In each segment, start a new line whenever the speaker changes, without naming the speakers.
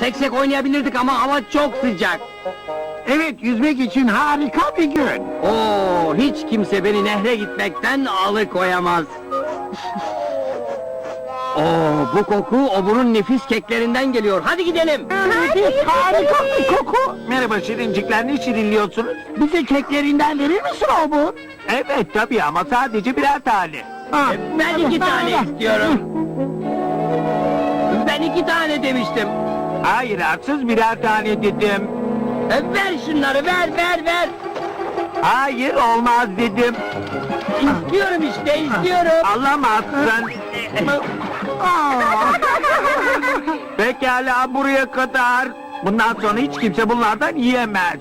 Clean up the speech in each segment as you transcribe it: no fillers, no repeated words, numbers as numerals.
Seksek oynayabilirdik ama hava çok sıcak.
Evet, yüzmek için harika bir gün.
Oo, hiç kimse beni nehre gitmekten alıkoyamaz. Oo, bu koku oburun nefis keklerinden geliyor. Hadi gidelim.
Harika bir koku. Merhaba şirincikler, ne şirinliyorsunuz? Bize keklerinden verir misin Obur? Evet tabii ama sadece birer tane.
Ben 2 tane istiyorum. Ben 2 tane demiştim.
Hayır, haksız birer tane dedim.
Ver şunları, ver.
Hayır, olmaz dedim.
İstiyorum işte, istiyorum.
Alamazsın. Pekala, buraya kadar. Bundan sonra hiç kimse bunlardan yiyemez.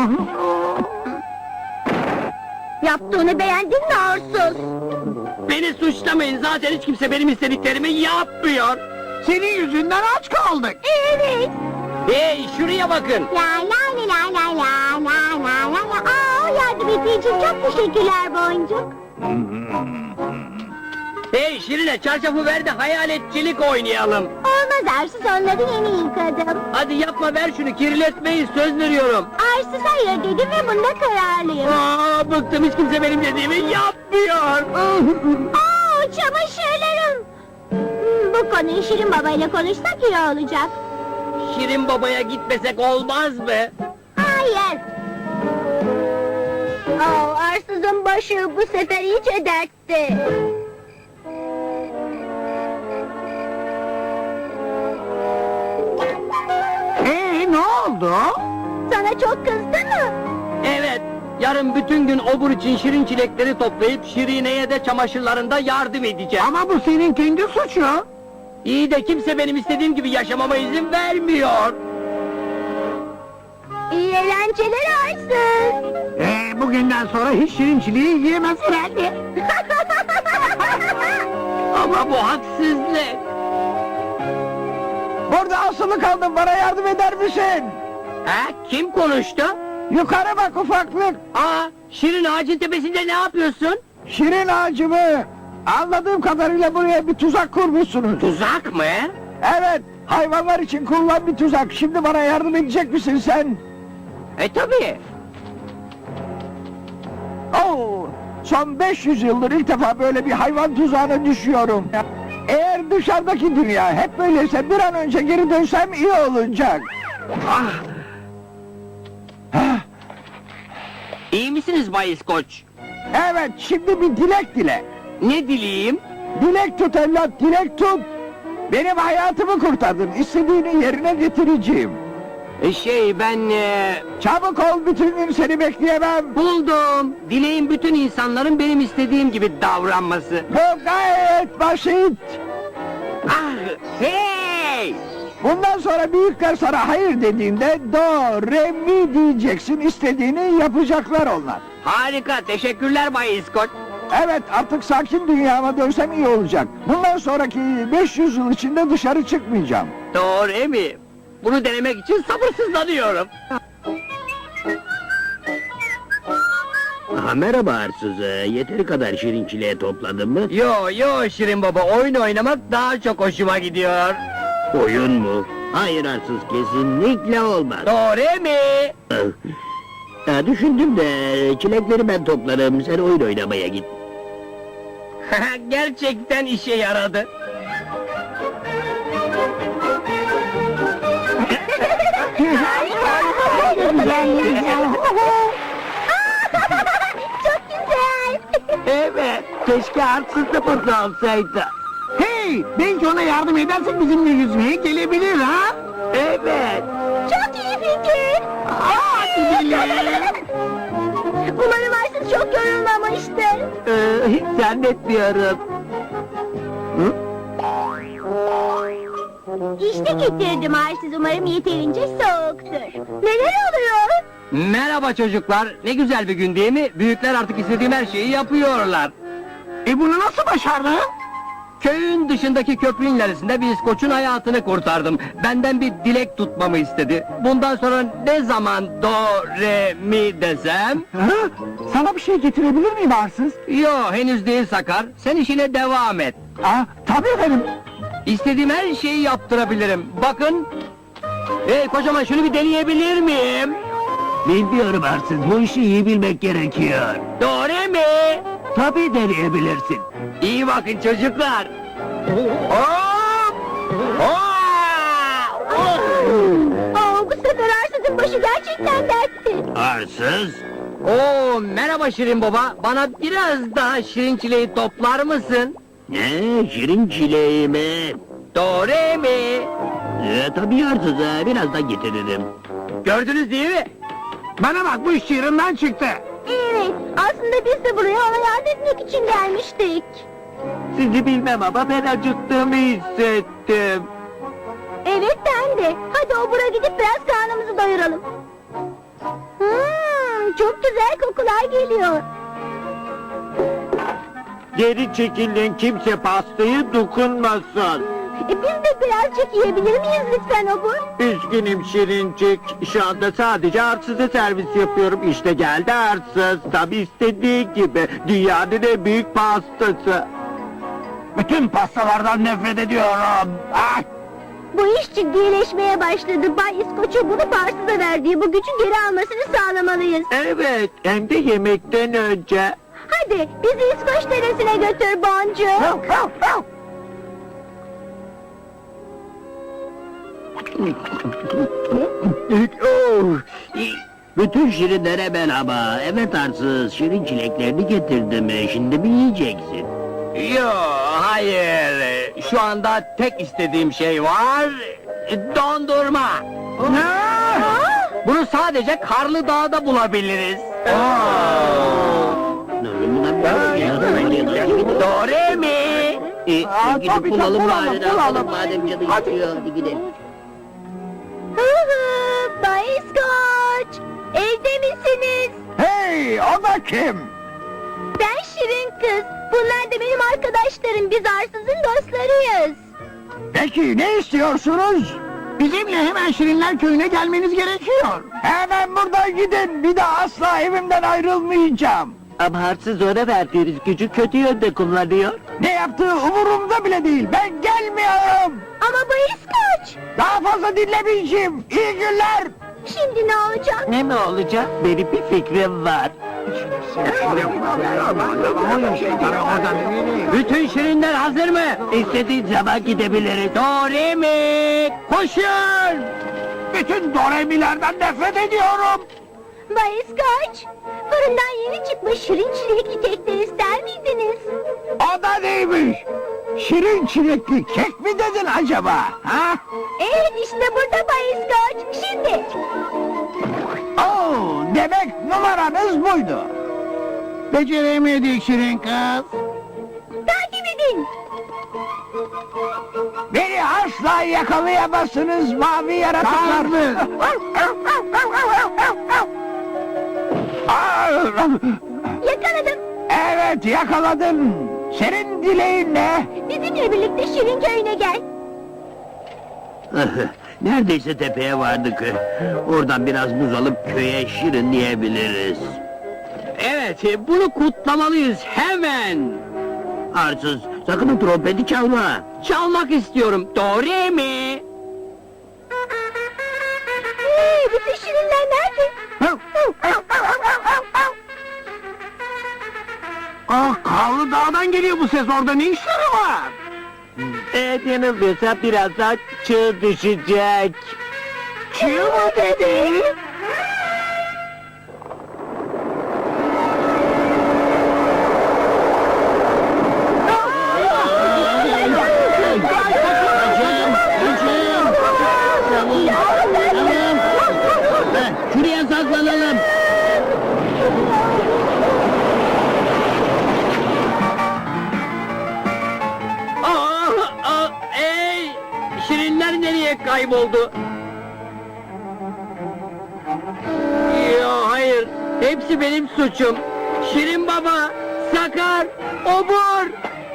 Yaptığını beğendin mi arsız?
Beni suçlamayın, zaten hiç kimse benim istediklerimi yapmıyor.
Senin yüzünden aç kaldık.
Evet.
Hey, şuraya bakın.
La la la la la la la la la. Aa, yardım ettiğin için çok teşekkürler Boncuk.
Hey Şirine, çarşafı ver de hayaletçilik oynayalım.
Olmaz arsız, onları yeni yıkadım.
Hadi yapma, ver şunu, kirletmeyin, söz veriyorum.
Arsız hayır dedim ve bunda kararlıyım.
Aa, bıktım, hiç kimse benim dediğimi yapmıyor.
Aa, çamaşırlarım. Bu konuyu Şirin Baba ile konuşsak iyi olacak.
Şirin babaya gitmesek olmaz mı?
Hayır. Aa, arsızın başı bu sefer iyice dertte.
Ne oldu?
Sana çok kızdı mı?
Evet, yarın bütün gün obur için şirin çilekleri toplayıp Şirine'ye de çamaşırlarında yardım edeceğim.
Ama bu senin kendi suçu.
İyi de kimse benim istediğim gibi yaşamama izin vermiyor.
İyi eğlenceler arsız.
Bugünden sonra hiç şirinçiliği yiyemez herhalde.
Ama bu haksızlık.
Burada asılı kaldım, bana yardım eder misin?
Ha, kim konuştu?
Yukarı bak ufaklık.
Aa, Şirin ağacın tepesinde ne yapıyorsun?
Şirin ağacı mı? Anladığım kadarıyla buraya bir tuzak kurmuşsunuz.
Tuzak mı?
Evet, hayvanlar için kurulan bir tuzak. Şimdi bana yardım edecek misin sen?
Tabii.
Oo, son 500 yıldır ilk defa böyle bir hayvan tuzağına düşüyorum. Eğer dışarıdaki dünya hep böyleyse bir an önce geri dönsem iyi olacak.
Ah,
Hah,
iyi misiniz Bay İskoç?
evet, şimdi bir dilek dile.
Ne dileyim?
Dilek tut evlat, dilek tut. Benim hayatımı kurtardın, istediğini yerine getireceğim.
Ben
Çabuk ol, bütün gün seni bekleyemem.
buldum. Dileğim bütün insanların benim istediğim gibi davranması.
Bu gayet basit.
Ah, hey!
Bundan sonra büyükler sana hayır dediğinde do, re, mi diyeceksin, istediğini yapacaklar onlar.
Harika, teşekkürler Bay İskoç.
Evet, artık sakin dünyama dönsem iyi olacak. Bundan sonraki 500 yıl içinde dışarı çıkmayacağım.
Doğru mi? Bunu denemek için sabırsızlanıyorum.
Merhaba Arsız, yeteri kadar şirin çileği topladın mı?
Yo Şirin Baba, oyun oynamak daha çok hoşuma gidiyor.
Oyun mu? Hayır Arsız, kesinlikle olmaz.
Doğru mi?
Düşündüm de çilekleri ben toplarım, sen oyun oynamaya git.
Gerçekten işe yaradı.
Çok güzel.
Evet, keşke arsız da burada olsaydı. Hey, belki ona yardım edersek bizimle yüzmeye gelebilir ha? Evet.
Çok iyi fikir.
Hadi gidelim.
Umarım arsız çok yorulmamıştır.
Hiç zannetmiyorum.
İşte getirdim arsız, umarım yeterince soğuktur. Neler oluyor?
Merhaba çocuklar, ne güzel bir gün değil mi? Büyükler artık istediğim her şeyi yapıyorlar.
Bunu nasıl başardın?
Köyün dışındaki köprünün ilerisinde bir İskoç'un hayatını kurtardım. Benden bir dilek tutmamı istedi. Bundan sonra ne zaman do, re, mi desem...
Sana bir şey getirebilir miyim arsız?
Yo, henüz değil Sakar, sen işine devam et.
Tabii efendim.
İstediğim her şeyi yaptırabilirim. Bakın, Hey kocaman, şunu bir deneyebilir miyim?
Bilmiyorum arsız, bu işi iyi bilmek gerekiyor.
Doğru mi?
Tabii deneyebilirsin.
İyi bakın çocuklar. Hop! Hop!
Oo, bu sefer arsızın başı gerçekten dertti.
Arsız?
Oo, merhaba Şirin Baba. Bana biraz daha şirin çileği toplar mısın?
Ne, şirin çileği mi?
Doğru mi?
Tabii arsız, birazdan getiririm.
Gördünüz değil mi?
Bana bak, bu iş çığırından çıktı.
Evet, aslında biz de buraya ona yardım etmek için gelmiştik.
Sizi bilmem ama ben acıktığımı hissettim.
Evet, ben de. Hadi obura gidip biraz karnımızı doyuralım. Çok güzel kokular geliyor.
Geri çekilin, kimse pastayı dokunmasın.
Biz de birazcık yiyebilir miyiz lütfen obur?
Üzgünüm Şirincik, şu anda sadece arsıza servis yapıyorum. İşte geldi arsız, tabi istediği gibi. Dünyanın en büyük pastası.
Bütün pastalardan nefret ediyorum. Ah!
Bu iş ciddileşmeye başladı. Bay İskoç'a bunu Parsız'a verdiği bu gücü geri almasını sağlamalıyız.
Evet, hem de yemekten önce.
Hadi bizi İskoç deresine götür Boncuk.
Bütün şirinlere merhaba. Evet arsız, şirin çileklerini getirdim. Şimdi mi yiyeceksin?
Yo, hayır. Şu anda tek istediğim şey var. Dondurma. Bunu sadece Karlı Dağ'da bulabiliriz. Doğru mi?
Gidip
tabii,
bulalım
bulalım,
bari.
bulalım.
Madem canı
Hadi.
istiyor, hadi gidelim.
Bay İskoç, evde misiniz?
Hey, o da kim?
Ben Şirin kız. Bunlar da benim arkadaşlarım. Biz arsızın dostlarıyız.
Peki ne istiyorsunuz? Bizimle hemen Şirinler Köyü'ne gelmeniz gerekiyor. Hemen buradan gidin. Bir daha asla evimden ayrılmayacağım.
Ama arsız ona verdiğiniz gücü kötü yönde kullanıyor.
Ne yaptığı umurumda bile değil. Ben gelmiyorum.
Ama Bay İskoç,
Daha fazla dinlemeyeceğim. İyi günler.
şimdi ne olacak?
Ne mi olacak? Benim bir fikrim var. Bütün şirinler hazır mı?
İstediğin zaman gidebiliriz.
Doğru mi? Koşun!
Bütün Doremilerden nefret ediyorum.
Bay İskoç, fırından yeni çıkmış şirin çilekli kekler ister miydiniz?
O da neymiş? Şirin çilekli kek mi dedin acaba? Ha?
Evet, işte burada Bay İskoç. Şimdi.
Oo, demek numaranız buydu. Beceremedik Şirin kız.
Takip edin.
Beni asla yakalayamazsınız mavi yaratıklar.
Yakaladım.
Evet yakaladın. Senin dileğin ne?
Bizimle birlikte Şirin köyüne gel.
Neredeyse tepeye vardık. Oradan biraz buz alıp köye şirinleyebiliriz.
Evet, bunu kutlamalıyız hemen.
Arsız, sakın o trompeti çalma.
Çalmak istiyorum, doğru mi?
Bütün şirinler nerede?
Ah, Karlı Dağ'dan geliyor bu ses. Orada ne işleri var?
Evet, yanılmıyorsam birazdan çığ düşecek.
Çığ mı dedi?
Şuraya saklanalım.
Ey! Şirinler nereye kayboldu? Yo, hayır, hepsi benim suçum. Şirin Baba, Sakar, Obur.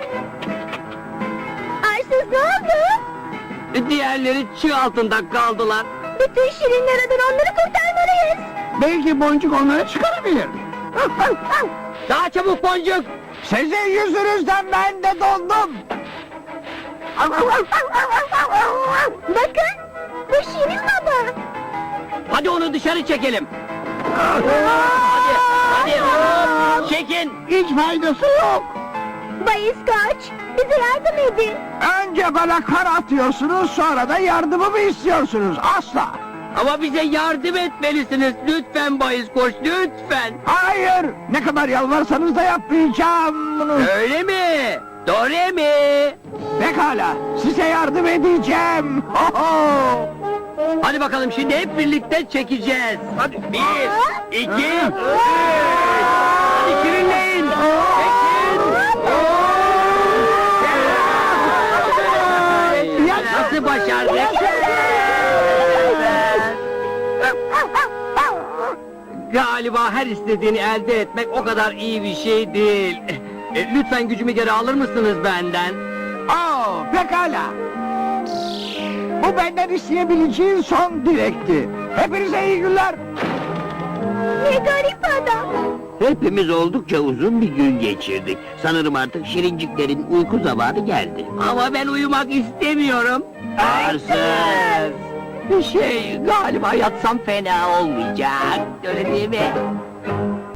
Arsız ne oldu?
Diğerleri çığ altında kaldılar.
Bütün şirinler adına onları kurtarmalıyız.
Belki Boncuk onları çıkarabilir.
Daha çabuk Boncuk.
Sizin yüzünüzden ben de dondum.
Bakın, bu Şirin Baba.
dışarı çekelim. Hadi hop, çekin.
Hiç faydası yok.
Bay İskoç, bize yardım edin.
Önce bana kar atıyorsunuz, sonra da yardımımı istiyorsunuz. Asla.
Ama bize yardım etmelisiniz. Lütfen Bay İskoç, lütfen.
Hayır, ne kadar yalvarsanız da yapmayacağım bunu.
Öyle mi? Doğru mi?
Pekala, size yardım edeceğim. Ho ho!
Hadi bakalım şimdi hep birlikte çekeceğiz. Hadi 1, 2, 3. Hadi kirinleyin. Çekin. Nasıl başardık? Galiba her istediğini elde etmek o kadar iyi bir şey değil. Lütfen gücümü geri alır mısınız benden?
Pekala. Bu benden isteyebileceğin son dilekti. Hepinize iyi günler.
Ne garip adam.
Hepimiz oldukça uzun bir gün geçirdik. Sanırım artık şirinciklerin uyku zamanı geldi.
Ama ben uyumak istemiyorum.
Arsız!
Galiba yatsam fena olmayacak. Öyle değil mi?